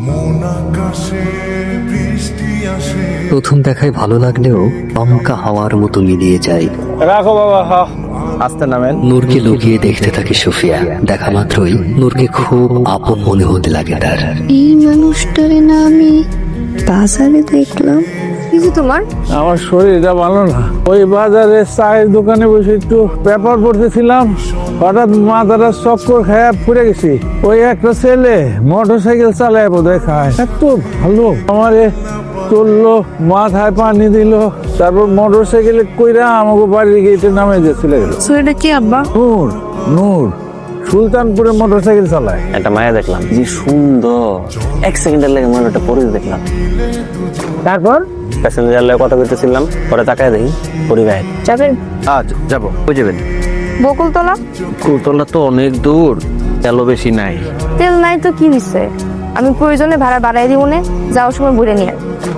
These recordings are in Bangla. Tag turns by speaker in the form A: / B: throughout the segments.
A: প্রথম দেখায় ভালো লাগলেও দমকা হাওয়ার মতো মিলিয়ে যায়।
B: রাখো বাবা, আস্তে নামেন।
A: নূরকে লুকিয়ে দেখতে থাকে সুফিয়া। দেখা মাত্রই নূরকে খুব আপন মনে হতে লাগে তার।
C: এই মানুষটারে না আমি বাজারে দেখলাম। কিছু তোমার?
B: আমার শরীরটা ভালো না। ওই বাজারে চায়ের দোকানে বসে একটু পেপার পড়তেছিলাম, হঠাৎ মাথাটা চক্কর খেয়ে পড়ে গেছি। ওই একটা ছেলে মোটর সাইকেল চালায় বোধহয় খায়, এত ভালো আমারে চললো, মাথায় পানি দিল, তারপর মোটর সাইকেলে কইরা আমাকে বাড়ির গেটে নামে যে চলে গেল।
C: শরীরটা কি আব্বা?
B: নূর, নূর সুলতানপুরে মোটর সাইকেল চালায়।
D: একটা মায়া দেখলাম, যে সুন্দর, এক সেকেন্ডের লাগে মনে পরে দেখলাম।
B: তারপর
D: প্যাসেঞ্জার লাগে কথা বলতেছিলাম, পরে তাকায় দেখি পরিবার।
C: যাবেন?
D: আজ যাবো। কই যাবেন?
C: বকুলতলা।
D: কুলতলা তো অনেক দূর, তেলও বেশি নাই।
C: তেল নাই তো কি হইছে, আমি প্রয়োজনে ভাড়া বাড়াই দিব না, যাওয়ার সময় ঘুরে নিয়ে।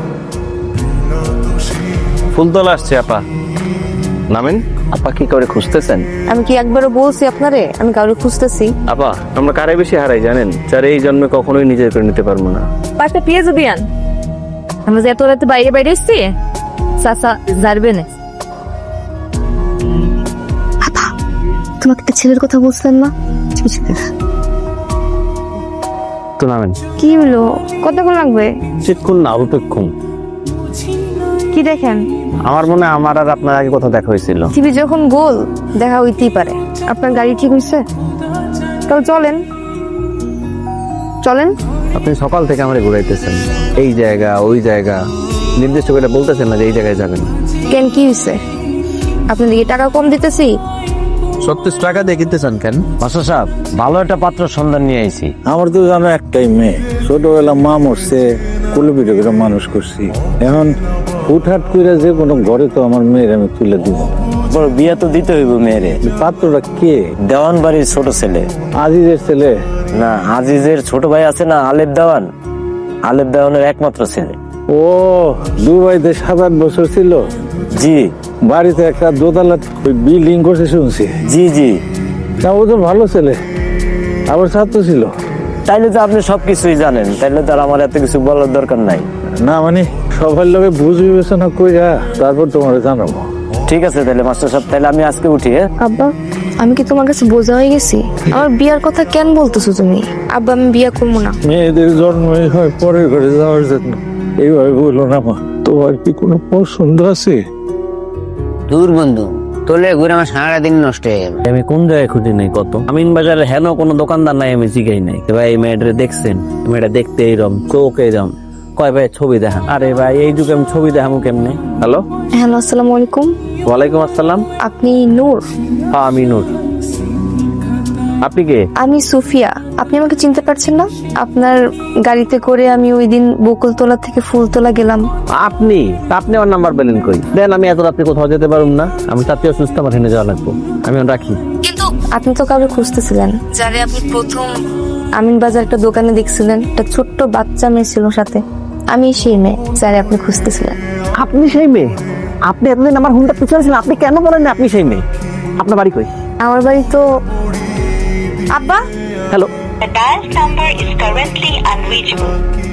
D: ফুলতলা আসছে আপা, নামেন। আপা কি করে খুঁজতেছেন?
C: আমি কি একবারও বলছি আপনারে আমি কাউকে খুঁজতেছি?
D: আপা আমরা কারে বেশি হারাই জানেন? যার এই জন্মে কখনোই নিজের করে নিতে পারবো না।
C: পাঁচটা পেঁয়াজ দিয়ান। আমরা যে এত রাতে বাইরে বাইরে এসছি, চাচা জানবে না। তোমাকে একটা ছেলের কথা বলছেন না?
D: তো নামেন।
C: কি হলো, কতক্ষণ লাগবে?
D: চিৎক্ষণ না, অল্পক্ষণ।
C: কি দেখেন?
D: আমার মনে হয় আমার আর আপনার আগে কথা দেখা হয়েছিল।
C: টিভি যখন গোল দেখা হইতেই পারে। আপনার গাড়ি ঠিক হইছে? তাহলে চলেন চলেন।
D: আপনি সকাল থেকে আমারে ঘুরাইতেছেন, এই জায়গা ওই জায়গা, নির্দিষ্ট করে বলতেছেন না যে এই জায়গায় যাবেন।
C: কেন কি হইছে? আপনাদেরকে টাকা কম দিতেছি?
D: 36 টাকা দিয়ে কিনতে চান কেন? মাস্টার সাহেব, ভালো একটা পাত্র সন্ধান নিয়ে আইছি।
B: আমার তো জানো একটাই মেয়ে, ছোটবেলা মা মরছে, কুলে পিঠে করে মানুষ করছি। এখন হুটহাট করে যে কোনো ঘরে তো আমার মেয়ের আমি তুলে দিব।
E: বড় বিয়া তো দিতে হইব মেয়েরে।
B: পাত্রটা কে?
E: দেওয়ান বাড়ির ছোট ছেলে।
B: আজিজের ছেলে?
E: না, আজিজের ছোট ভাই আছে না, আলেপ দেওয়ান, আলেপ দেওয়ানের একমাত্র ছেলে।
B: ও দুবাইতে 7-8 বছর ছিল।
E: জি
B: বাড়িতে একটা দোতলা বিল্ডিং করছে শুনছি।
E: জি জি।
B: না ও তো ভালো ছেলে, আবার ছাত্র ছিল।
E: তাইলে তো আপনি সবকিছুই জানেন, তাইলে তো আর আমার এত কিছু বলার দরকার নাই।
B: না মানে সবার লোকে বুঝ বিবেচনা কইরা তারপর তোমার জানাবো।
E: ঠিক আছে তাহলে মাস্টার সাহেব, তাহলে আমি আজকে উঠি। হ্যাঁ
C: আব্বা, আমি কি তোমার কাছে বোঝা হয়ে গেছি? আমার বিয়ার কথা কেন বলতেছো তুমি? আব্বা আমি বিয়া করবো না।
B: মেয়েদের জন্মই হয় পরের ঘরে যাওয়ার জন্য, এইভাবে বললো না মা। তোমার কি কোনো পছন্দ আছে?
F: দূর বন্ধু, তোলে ঘুরে আমার সারাদিন নষ্ট হয়ে গেল।
D: আমি কোন জায়গায় খুঁজি নাই কত? আমিন বাজারে হেন কোনো দোকানদার নাই আমি জিগাই নাই। ভাই এই মেয়েটা দেখছেন, মেয়েটা দেখতে এইরকম, চোখ এইরকম, কয় ভাই ছবি দেখা। আরে ভাই এই যুগে আমি ছবি দেখাবো কেমনে? হ্যালো
C: হ্যালো, আসসালামু আলাইকুম।
D: ওয়ালাইকুম আসসালাম।
C: আপনি নূর?
D: হ্যাঁ আমি নূর। আপনি কে?
C: আমি সুফিয়া। আপনি আমাকে চিনতে পারছেন না? আপনার গাড়িতে করে আমি ওই দিন বকুলতলা থেকে ফুলতলা গেলাম।
D: আপনি আপনি আমার নাম্বার পেলেন কই? দেন, আমি এত রাত্রে কোথাও যেতে পারুম না, আমি তাতে অসুস্থ, আমার হেনে যাওয়া লাগবো, আমি রাখি।
C: কিন্তু আপনি তো কাউকে খুঁজতেছিলেন, যারে আপনি প্রথম আমিন বাজার একটা দোকানে দেখছিলেন। একটা ছোট্ট বাচ্চা মেয়ে ছিল সাথে। আমি সেই মেয়ে যারে আপনি খুঁজতেছিলেন।
D: আপনি সেই মেয়ে? আপনি এতদিন আমার হুন্ডা পিছাচ্ছিলেন, আপনি কেন বলেন না আপনি সেই মেয়ে? আপনার বাড়ি কই?
C: আমার বাড়ি তো আব্বা।
D: Hello
G: The dialed number is currently unreachable.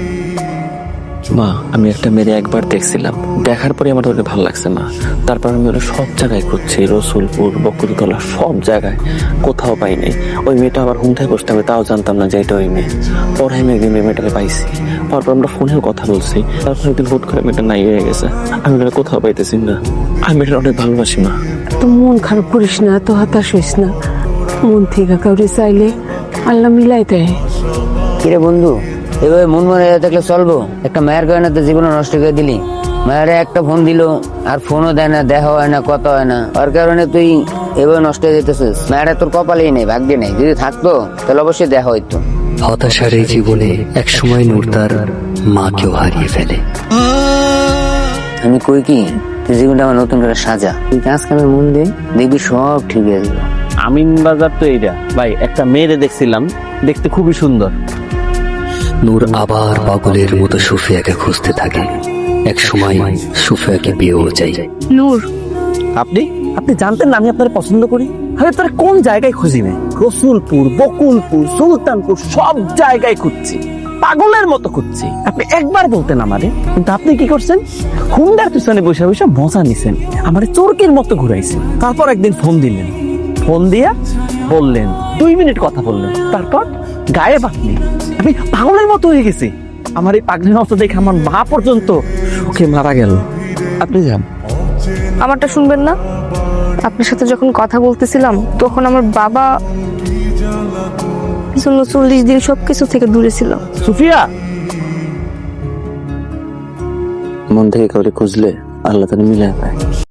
H: মা, আমি একটা মেয়ে একবার দেখছিলাম, দেখার পরে আমার ওকে ভালো লাগছে মা। তারপর আমি ওরা সব জায়গায় খুঁজছি, রসুলপুর, বকুলতলা, সব জায়গায় কোথাও পাইনি। ওই মেয়েটা আবার হুমঠায় বসতে হবে, তাও জানতাম না যে এটা ওই মেয়ে। পরে আমি একদিন মেয়েটাকে পাইছি, তারপর আমরা ফোনেও কথা বলছি। তারপর একদিন হুট করে মেয়েটা নাই হয়ে গেছে, আমি ওটা কোথাও পাইতেছি না। আমি মেয়েটা অনেক ভালোবাসি মা।
I: তো মন খারাপ করিস না, তো হতাশ হইস না। মন থেকে কাউরে চাইলে আল্লাহ মিলাই দেয়।
F: কিরে বন্ধু, এভাবে মন মনে থাকলে চলবো? একটা মায়ের কারণে তো জীবন নষ্ট করে দিলি। মায়ের একটা ফোন দিল আর ফোনও দেয় না, দেখা হয় না, কথা হয় না। ওর কারণে তুই এভাবে নষ্ট হয়ে যেতেছিস। মায়েরা তোর কপালেই নেই, ভাগ্যে নেই। যদি থাকতো তাহলে অবশ্যই দেখা হইতো।
A: হতাশার এই জীবনে একসময় নূর তার মাকেও হারিয়ে ফেলে।
F: আমি কই কি, তুই জীবনটা আমার নতুন করে সাজা। তুই কাজ কামে মন দে, দেখবি সব ঠিক হয়ে যাবে।
D: আমিন বাজার তো এইটা ভাই, একটা মেয়েরে দেখছিলাম, দেখতে খুবই সুন্দর।
A: নূর আবার পাগলের মতো সুফিয়াকে খুঁজতে থাকে। এক সময় সুফিয়াকে বিয়েও যায়।
C: নূর,
D: আপনি আপনি জানতেন না আমি আপনার পছন্দ করি? আমি আপনার কোন জায়গায় খুঁজি না? রসুলপুর, বকুলপুর, সুলতানপুর, সব জায়গায় খুঁজছি। পাগলের মতো খুঁজছি। আপনি একবার বলতেন আমারে, কিন্তু আপনি কি করছেন? হুন্ডার পিছনে বসে বসে মজা নিছেন, আমারে চোরকের মতো ঘুরাইছেন। তারপর একদিন ফোন দিলেন, ফোন দিয়া বললেন 2 মিনিট কথা বললেন, তারপর গায়ে আপনি। আমি পাগলের মতো হয়ে গেছি। আমার এই পাগলের মতো দেখে আমার মা পর্যন্ত সুখে মারা গেল। আপনি যান।
C: আমারটা শুনবেন না? আপনার সাথে যখন কথা বলতেছিলাম তখন আমার বাবা পিছনে 40 দিন সবকিছু থেকে দূরে ছিল।
D: সুফিয়া,
H: মন থেকে কাউকে খুঁজলে আল্লাহ তাকে মিলে পায়।